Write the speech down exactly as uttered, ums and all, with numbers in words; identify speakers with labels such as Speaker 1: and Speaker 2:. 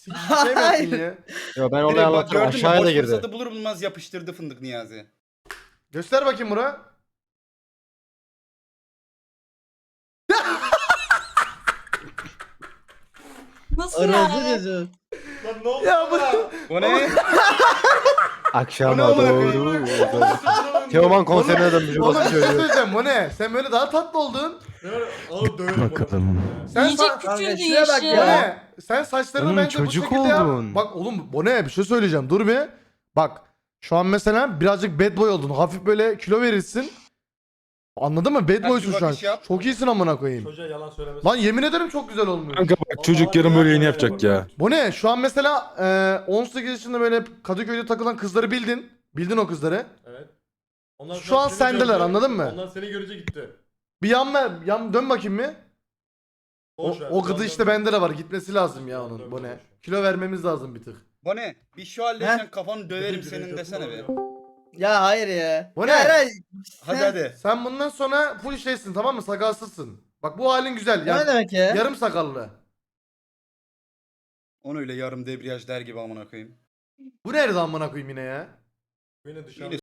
Speaker 1: Sik şey mi yaptın ya?
Speaker 2: Yo ben
Speaker 3: Direkt
Speaker 2: olayı
Speaker 3: bak
Speaker 2: anlatacağım.
Speaker 3: gördün mü
Speaker 2: Aşağıya
Speaker 3: boş
Speaker 2: da girdi.
Speaker 3: fırsatı bulur bulmaz yapıştırdı fındık Niyazi.
Speaker 1: Göster bakayım Murat.
Speaker 4: Nasıl
Speaker 5: Aracı
Speaker 4: yani?
Speaker 5: gözü.
Speaker 6: Lan ne oldu?
Speaker 1: Ya bu
Speaker 3: O ne?
Speaker 2: Akşama
Speaker 3: O ne amına
Speaker 2: doğru. Teoman konserine dönmüş.
Speaker 1: Oğlum
Speaker 2: Oğlum
Speaker 1: bir şey söyleyeceğim bu ne? Sen böyle daha tatlı oldun.
Speaker 6: Oğlum döverim
Speaker 2: Bakalım.
Speaker 1: Sen
Speaker 4: Yiyecek
Speaker 1: sa-
Speaker 5: Kanka
Speaker 4: küçüldü
Speaker 5: şuraya bak
Speaker 4: yaşı.
Speaker 1: Bu
Speaker 5: ya.
Speaker 1: ne? Sen saçlarını
Speaker 2: Oğlum
Speaker 1: bence bu
Speaker 2: çocuk
Speaker 1: şekilde yap.
Speaker 2: oldun.
Speaker 1: Bak oğlum bu ne? Bir şey söyleyeceğim. Dur bir. Bak şu an mesela birazcık bad boy oldun. Hafif böyle kilo verirsin. Anladın mı? Bad
Speaker 3: Ha,
Speaker 1: boysun
Speaker 3: bir
Speaker 1: şu an.
Speaker 3: bakış yap.
Speaker 1: Çok iyisin amına koyayım.
Speaker 6: Çocuğa yalan söylemesin.
Speaker 1: Lan yemin ederim çok güzel olmuş.
Speaker 7: Kanka bak çocuk yarın böyle yeni yapacak ya.
Speaker 1: Bu ne? Şu an mesela e, on sekiz yaşında böyle Kadıköy'de takılan kızları bildin. Bildin o kızları.
Speaker 6: Evet. Onlar
Speaker 1: Şu an
Speaker 6: seni
Speaker 1: sendeler,
Speaker 6: gördü,
Speaker 1: anladın mı?
Speaker 6: Onlar seni görünce gitti.
Speaker 1: Bir yan ver, yan dön bakayım bir. O,
Speaker 6: Boş ver,
Speaker 1: o gıdı
Speaker 6: dön,
Speaker 1: işte
Speaker 6: dön.
Speaker 1: bende de var. Gitmesi lazım ya
Speaker 6: Dön,
Speaker 1: onun.
Speaker 6: dön,
Speaker 1: Bu ne?
Speaker 6: dön.
Speaker 1: Kilo vermemiz lazım bir tık.
Speaker 3: Bu ne? Bir şu halletsen kafanı döverim
Speaker 6: Direkt
Speaker 3: senin desene be.
Speaker 5: Ya hayır ya.
Speaker 1: Bu
Speaker 5: Ya
Speaker 1: ne?
Speaker 5: Eray,
Speaker 3: Hadi
Speaker 5: sen-
Speaker 3: hadi.
Speaker 1: Sen bundan sonra full şeysin, tamam mı? Sakalsızsın. Bak bu halin güzel.
Speaker 5: Ne
Speaker 1: Yani
Speaker 5: demek ya?
Speaker 1: yarım sakallı.
Speaker 3: Onu öyle yarım debriyaj der gibi amına koyayım.
Speaker 1: Bu nerede amına koyayım yine ya?
Speaker 6: Yine dışarıda.
Speaker 3: Yine